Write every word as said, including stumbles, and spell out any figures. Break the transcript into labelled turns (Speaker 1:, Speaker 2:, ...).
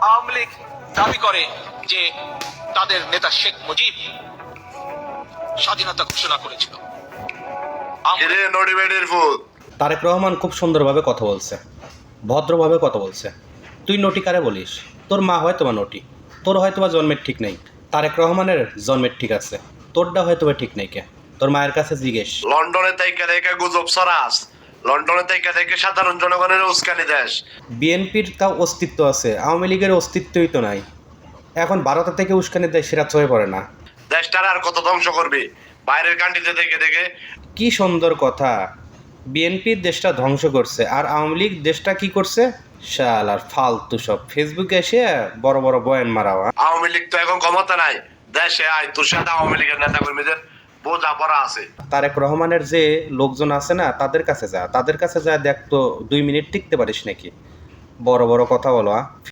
Speaker 1: আওয়ামী লীগ দাবি করে যে তাদের নেতা শেখ মুজিব স্বাধীনতা ঘোষণা করেছিল।
Speaker 2: তারেক রহমান খুব সুন্দরভাবে কথা বলছে, ভদ্রভাবে কথা বলছে। তুই নটি কারে বলিস? তোর মা হয়তো বা নটি, তোর হয়তো বা জন্মের ঠিক নেই। তারেক রহমানের জন্মের ঠিক আছে, তোরটা হয়তো বা ঠিক নেই। কে তোর মায়ের কাছে জিজ্ঞেস।
Speaker 3: লন্ডনে থেকে থেকে গুজব ছড়াস, লন্ডনে থেকে থেকে সাধারণ জনগণের উস্কানি দেশ।
Speaker 2: বিএনপির তাও অস্তিত্ব আছে, আওয়ামী লীগের অস্তিত্বই তো নাই। এখন ভারত থেকে উস্কানি দেয়, সেটা হয়ে পড়ে না।
Speaker 3: দেশটার আর কত ধ্বংস করবি বাইরের কান্ট্রিতে থেকে থেকে।
Speaker 2: কি সুন্দর কথা! বিএনপির দেশটা ধ্বংস করছে, আর আওয়ামী লীগ দেশটা কি করছে? শাল আর ফালতু সব ফেসবুকে এসে বড় বড় বয়ান মারাওয়া।
Speaker 3: আওয়ামী লীগ তো এখন ক্ষমতা নাই দেশে, আয় তোর সাথে আওয়ামী লীগের নেতা কর্মীদের বোঝাপড়া আছে।
Speaker 2: তারেক রহমানের যে লোকজন আছে না, তাদের কাছে যা, তাদের কাছে যা দেখ তো দুই মিনিট টিকতে পারিস নাকি? বড় বড় কথা বলো।